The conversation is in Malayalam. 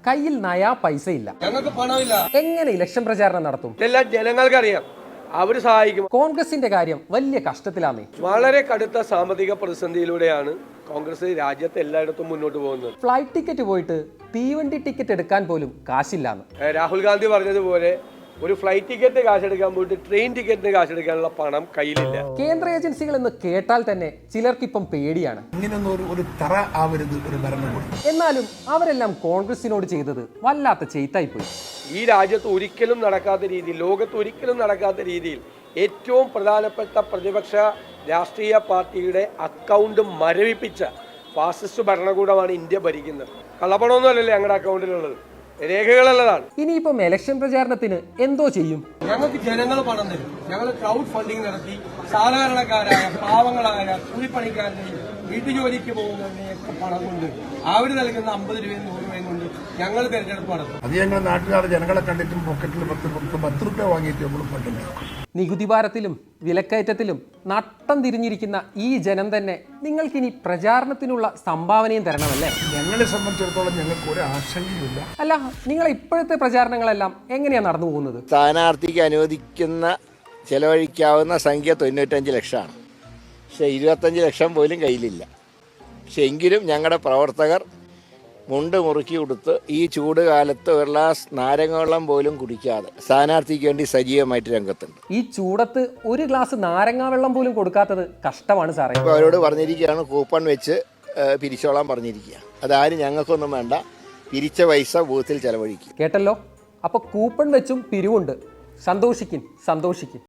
കയ്യിൽ നയാ പൈസ ഇല്ല, ഞങ്ങൾക്ക് പണമില്ല, എങ്ങനെ ഇലക്ഷൻ പ്രചാരണം നടത്തും? ഇതെല്ലാം ജനങ്ങൾക്കറിയാം. അവര് സഹായിക്കും. കോൺഗ്രസിന്റെ കാര്യം വലിയ കഷ്ടത്തിലാന്നേ. വളരെ കടുത്ത സാമ്പത്തിക പ്രതിസന്ധിയിലൂടെയാണ് കോൺഗ്രസ് രാജ്യത്ത് എല്ലായിടത്തും മുന്നോട്ട് പോകുന്നത്. ഫ്ലൈറ്റ് ടിക്കറ്റ് പോയിട്ട് തീവണ്ടി ടിക്കറ്റ് എടുക്കാൻ പോലും കാശില്ലാന്ന് രാഹുൽ ഗാന്ധി പറഞ്ഞതുപോലെ ഒരു ഫ്ലൈറ്റ് ടിക്കറ്റ് കാശെടുക്കാൻ പോയിട്ട് ട്രെയിൻ ടിക്കറ്റിന് കാശെടുക്കാനുള്ള പണം കയ്യിലില്ല. കേന്ദ്ര ഏജൻസികൾ എന്ന് കേട്ടാൽ തന്നെ ചിലർക്കിപ്പം പേടിയാണ്. എന്നാലും അവരെല്ലാം കോൺഗ്രസിനോട് ചെയ്തത് വല്ലാത്ത ചെയ്ത്തായിപ്പോയി. ഈ രാജ്യത്ത് ഒരിക്കലും നടക്കാത്ത രീതിയിൽ, ലോകത്ത് ഒരിക്കലും നടക്കാത്ത രീതിയിൽ ഏറ്റവും പ്രധാനപ്പെട്ട പ്രതിപക്ഷ രാഷ്ട്രീയ പാർട്ടിയുടെ അക്കൗണ്ട് മരവിപ്പിച്ച ഫാസിസ്റ്റ് ഭരണകൂടമാണ് ഇന്ത്യ ഭരിക്കുന്നത്. കള്ളപ്പണമൊന്നുമല്ലല്ലേ ഞങ്ങളുടെ അക്കൗണ്ടിലുള്ളത്, രേഖകളുള്ളതാണ്. ഇനിയിപ്പം ഇലക്ഷൻ പ്രചാരണത്തിന് എന്തോ ചെയ്യും? ഞങ്ങൾക്ക് ജനങ്ങൾ പണം തരും. ഞങ്ങൾ ക്രൗഡ് ഫണ്ടിങ് നടത്തി സാധാരണക്കാരായ പാവങ്ങളായ കൂലിപ്പണിക്കാരുടെയും വീട്ടുജോലിക്ക് പോകുന്നവരുടെയൊക്കെ പണം കൊണ്ട് അവർ നൽകുന്ന 50 രൂപയും 100 രൂപയും കൊണ്ട് ഞങ്ങൾ തെരഞ്ഞെടുപ്പ് നടത്തും. അത് ഞങ്ങൾ നാട്ടുകാർ ജനങ്ങളെ കണ്ടിട്ടും പോക്കറ്റിൽ 10 രൂപ വാങ്ങിയിട്ട് നമ്മൾ പറ്റുന്നു. നികുതി ഭാരത്തിലും വിലക്കയറ്റത്തിലും നട്ടം തിരിഞ്ഞിരിക്കുന്ന ഈ ജനം തന്നെ നിങ്ങൾക്കിനി പ്രചാരണത്തിനുള്ള സംഭാവനയും തരണമല്ലേ? ഞങ്ങളെ സംബന്ധിച്ചിടത്തോളം ഞങ്ങൾക്ക് ഒരു ആശങ്കയുമില്ല. അല്ല, നിങ്ങളെ ഇപ്പോഴത്തെ പ്രചാരണങ്ങളെല്ലാം എങ്ങനെയാണ് നടന്നു പോകുന്നത്? സ്ഥാനാർത്ഥിക്ക് അനുവദിക്കുന്ന ചെലവഴിക്കാവുന്ന സംഖ്യ 95 ലക്ഷമാണ്. പക്ഷേ 25 ലക്ഷം പോലും കയ്യിലില്ല. പക്ഷെ എങ്കിലും ഞങ്ങളുടെ പ്രവർത്തകർ മുണ്ട് മുറുക്കി കൊടുത്ത് ഈ ചൂട് കാലത്ത് ഒരു ഗ്ലാസ് നാരങ്ങ വെള്ളം പോലും കുടിക്കാതെ സ്ഥാനാർത്ഥിക്ക് വേണ്ടി സജീവമായിട്ട് രംഗത്തുണ്ട്. ഈ ചൂടത്ത് ഒരു ഗ്ലാസ് നാരങ്ങാ വെള്ളം പോലും കൊടുക്കാത്തത് കഷ്ടമാണ് സാറേ. ഇപ്പോൾ അവരോട് പറഞ്ഞിരിക്കുകയാണ് കൂപ്പൺ വെച്ച് പിരിച്ചോളാൻ പറഞ്ഞിരിക്കുക. അതാരും ഞങ്ങൾക്കൊന്നും വേണ്ട, പിരിച്ച പൈസ ബൂത്തിൽ ചെലവഴിക്കും. കേട്ടല്ലോ, അപ്പൊ കൂപ്പൺ വെച്ചും പിരിവുണ്ട്. സന്തോഷിക്കും.